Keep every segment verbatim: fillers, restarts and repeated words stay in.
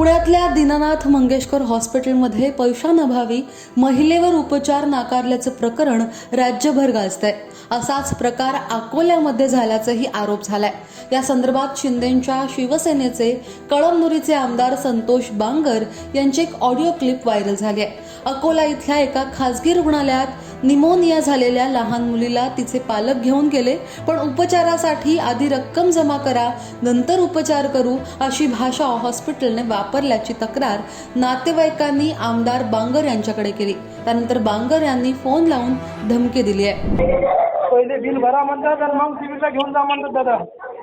पुण्यातल्या दीनानाथ मंगेशकर हॉस्पिटलमध्ये पैशांअभावी महिलेवर उपचार नाकारल्याचं प्रकरण राज्यभर गाजतंय। असाच प्रकार अकोल्यामध्ये झाल्याचाही आरोप झालाय। या संदर्भात शिंदेंच्या शिवसेनेचे कळमनुरीचे आमदार संतोष बांगर यांची एक ऑडिओ क्लिप व्हायरल झाली आहे। अकोला इथल्या एका खासगी रुग्णालयात निमोनिया झालेल्या लहान मुलीला तिचे पालक घेऊन गेले, पण उपचारासाठी आधी रक्कम जमा करा, नंतर उपचार करू अशी भाषा हॉस्पिटलने वापरल्याची तक्रार नातेवाईकांनी आमदार बांगर यांच्याकडे केली। त्यानंतर बांगर यांनी फोन लावून धमकी दिली आहे। पहिले बिल भरा म्हणतात आणि मग सिव्हिलला घेऊन जा म्हणतात दादा।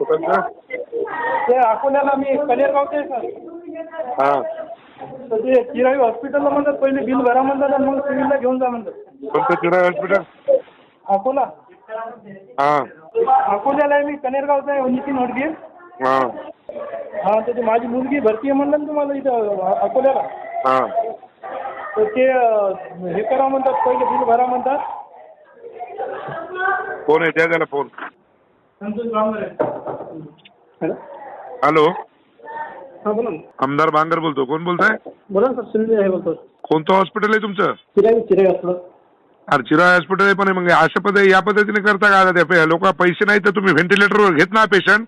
ते अकोल्याला मी कनेरगावचे सर। हां तर ते चिराई हॉस्पिटलला म्हणतात पहिले बिल भरा म्हणतात आणि मग सिव्हिलला घेऊन जा म्हणतात। कोणतं चिराई हॉस्पिटल? अकोला। हां अकोल्याला आहे मी, कनेरगावचा आहे, नितीन होडगे। हां हां तर ते माझी मुलगी भरती आहे म्हणलं ना तुम्हाला इथं अकोल्याला। हां तर ते हे करा म्हणतात, पहिले बिल भरा म्हणतात। कोण आहे द्या त्याला फोन। संतोष बांगर आहे। हॅलो हां बोला ना। आमदार बांगर बोलतो। कोण बोलताय? बोला ना सर, शिंदे आहे बोलतो। कोणतं हॉस्पिटल आहे तुमचं? चिराई चिराई हॉस्पिटल। अरे चिराई हॉस्पिटल आहे, पण मग अशा पद्धती या पद्धतीने करता का? त्या लोक पैसे नाही तर तुम्ही व्हेंटिलेटरवर घेत ना पेशंट?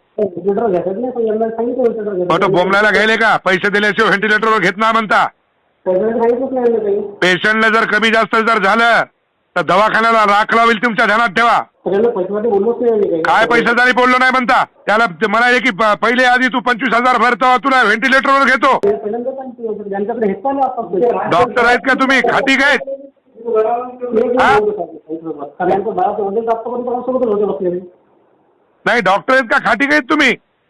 मोठं बोंबलायला घ्यायले का? पैसे दिल्याशिवाय व्हेंटिलेटरवर घेत ना म्हणता? पेशंटला जर कमी जास्त जर झालं तर दवाखान्याला राख लावेल, तुमच्या ध्यानात ठेवा। काय पैशाचा बोललो नाही म्हणता? त्याला मला एक की पहिले आधी तू पंचवीस हजार भरतो, तुला व्हेंटिलेटरवर घेतो। डॉक्टर आहेत का तुम्ही? खाटी काय? नाही डॉक्टर आहेत का? खाटी काय तुम्ही?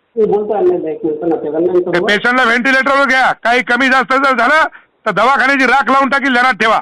पेशंटला व्हेंटिलेटरवर घ्या, काही कमी जास्त जर झालं तर दवाखान्याची राख लावून टाकील, ध्यानात ठेवा।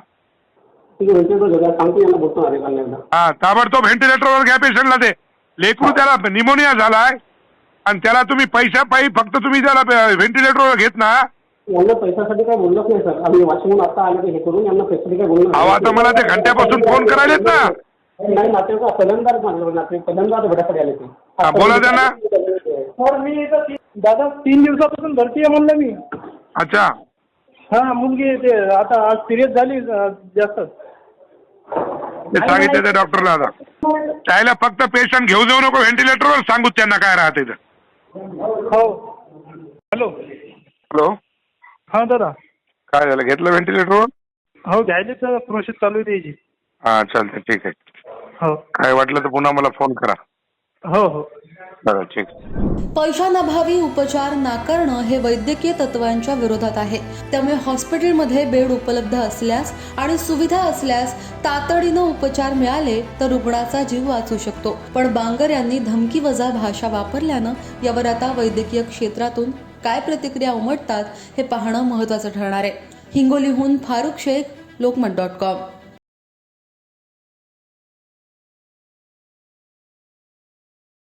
हा ताबडतोब व्हेंटिलेटरवर घ्या पेशंटला। ते लेकरू त्याला निमोनिया झालाय आणि त्याला तुम्ही पैशा पायी फक्त तुम्ही त्याला व्हेंटिलेटरवर घेत ना। पैशासाठी काय बोललोच नाही सर। आम्ही वाशिमहून आता आले हे करून, यांना पैशासाठी काय बोललो अहो आता मला ते घंट्यापासून फोन करायलेत ना। नाही नातेवाईक पहिल्यांदाच माझ्यावर नातेवाईक पहिल्यांदा भेटासाठी आले ते। हा बोला त्यांना। सर मी इथं दादा तीन दिवसापासून भरती आहे म्हणलं मी। अच्छा हा मुलगी ते आता आज सिरियस झाली जास्त। ते सांगितलं त्या डॉक्टरला आता त्याला फक्त पेशंट घेऊ जाऊ नको व्हेंटिलेटरवर, सांगू त्यांना काय राहते तर। हो हॅलो हॅलो हा दादा काय झालं? घेतलं व्हेंटिलेटरवर? हो घ्यायले तर प्रोसेस चालू आहे त्याची। हा चालते, ठीक आहे। हो काय वाटलं तर पुन्हा मला फोन करा। हो हो बरं ठीक। पैशांअभावी उपचार नाकारणं हे वैद्यकीय तत्वांच्या विरोधात आहे। त्यामुळे हॉस्पिटलमध्ये बेड उपलब्ध असल्यास आणि सुविधा असल्यास तातडीनं उपचार मिळाले तर रुग्णाचा जीव वाचू शकतो। पण बांगर यांनी धमकीवजा भाषा वापरल्यानं यावर आता वैद्यकीय क्षेत्रातून काय प्रतिक्रिया उमटतात हे पाहणं महत्त्वाचं ठरणार आहे। हिंगोलीहून फारुख शेख, लोकमत डॉट कॉम।